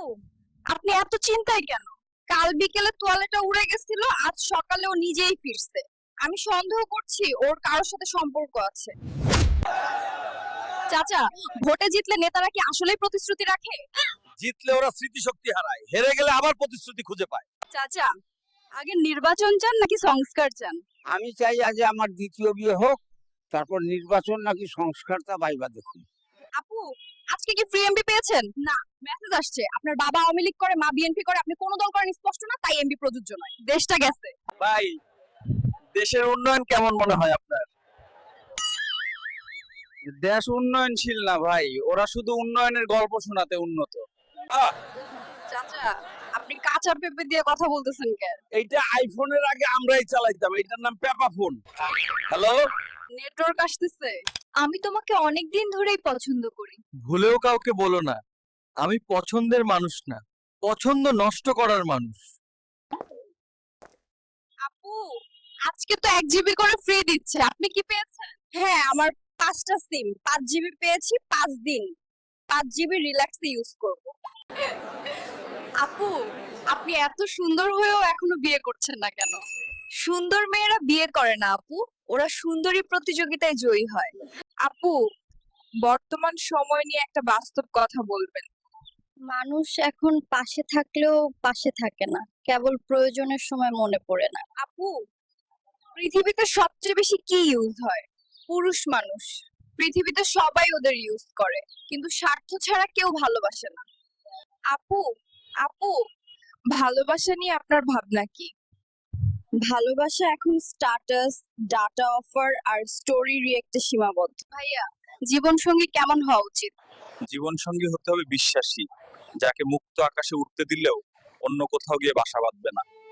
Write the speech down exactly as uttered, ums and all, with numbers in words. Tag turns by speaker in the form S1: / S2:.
S1: আপনি এত চিন্তায় কেন? কাল বিকেলে তোয়ালেটা উড়ে গেছিল, আজ সকালে ও নিজেই ফিরছে। আমি সন্দেহ করছি ওর কারোর সাথে সম্পর্ক আছে। চাচা, ভোটে জিতলে নেতারা কি আসলেই প্রতিশ্রুতি রাখে?
S2: জিতলে ওরা স্মৃতিশক্তি হারায়, হেরে গেলে আবার প্রতিশ্রুতি খুঁজে পায়।
S1: চাচা, আগে নির্বাচন চান নাকি সংস্কার চান?
S3: আমি চাই আজ আমার দ্বিতীয় বিয়ে হোক, তারপর নির্বাচন নাকি সংস্কারটা বাইবা দেখুন।
S1: আপু, আজকে কি ফ্রি এমপি পেয়েছেন? না, মেসেজ আসছে আপনার বাবা আওয়ামী লীগ করে, মা বিএনপি করে, আপনি কোন দল করেন স্পষ্ট না, তাই এমপি প্রযোজ্য নয়। দেশটা গেছে।
S2: ভাই, দেশের উন্নয়ন কেমন মনে হয় আপনার? দেশ উন্নয়নশীল না ভাই, ওরা শুধু উন্নয়নের গল্প শোনাতে উন্নত।
S1: চাচা, আপনি কাঁচা পেঁপে দিয়ে কথা বলতেছেন কেন?
S2: এইটা আইফোনের আগে আমরাই চালাইতাম, এটার নাম পেপা ফোন। হ্যালো,
S1: নেটওয়ার্ক আসতেছে। আমি তোমাকে অনেক দিন ধরেই পছন্দ করি।
S2: ভুলেও কাউকে বলো না, আমি পছন্দের মানুষ না, পছন্দ নষ্ট করার মানুষ।
S1: আপু, আজকে তো এক জিবি করে ফ্রি দিচ্ছে, আপনি কি পেয়েছেন? হ্যাঁ, আমার পাঁচটা সিম, পাঁচ জিবি পেয়েছি, পাঁচ দিন পাঁচ জিবি রিল্যাক্সে ইউজ করব। আপু, আপনি এত সুন্দর হয়েও এখনো বিয়ে করছেন না কেন? সুন্দর মেয়েরা বিয়ে করে না আপু, ওরা সুন্দরী প্রতিযোগিতায় জয়ী হয়। আপু, বর্তমান সময় নিয়ে একটা বাস্তব কথা বলবেন। মানুষ এখন পাশে থাকলেও পাশে থাকে না, কেবল প্রয়োজনের সময় মনে পড়ে না। আপু, পৃথিবীতে সবচেয়ে বেশি কি ইউজ হয়? পুরুষ মানুষ। পৃথিবীতে সবাই ওদের ইউজ করে, কিন্তু স্বার্থ ছাড়া কেউ ভালোবাসে না। আপু, আপু, ভালোবাসা নিয়ে আপনার ভাবনা কি? ভালোবাসা এখন স্ট্যাটাস, ডাটা অফার আর স্টোরি রিয়েক্টে সীমাবদ্ধ। ভাইয়া, জীবন সঙ্গী কেমন হওয়া উচিত?
S2: জীবন সঙ্গী হতে হবে বিশ্বাসী, যাকে মুক্ত আকাশে উঠতে দিলেও অন্য কোথাও গিয়ে বাসা বাঁধবে না।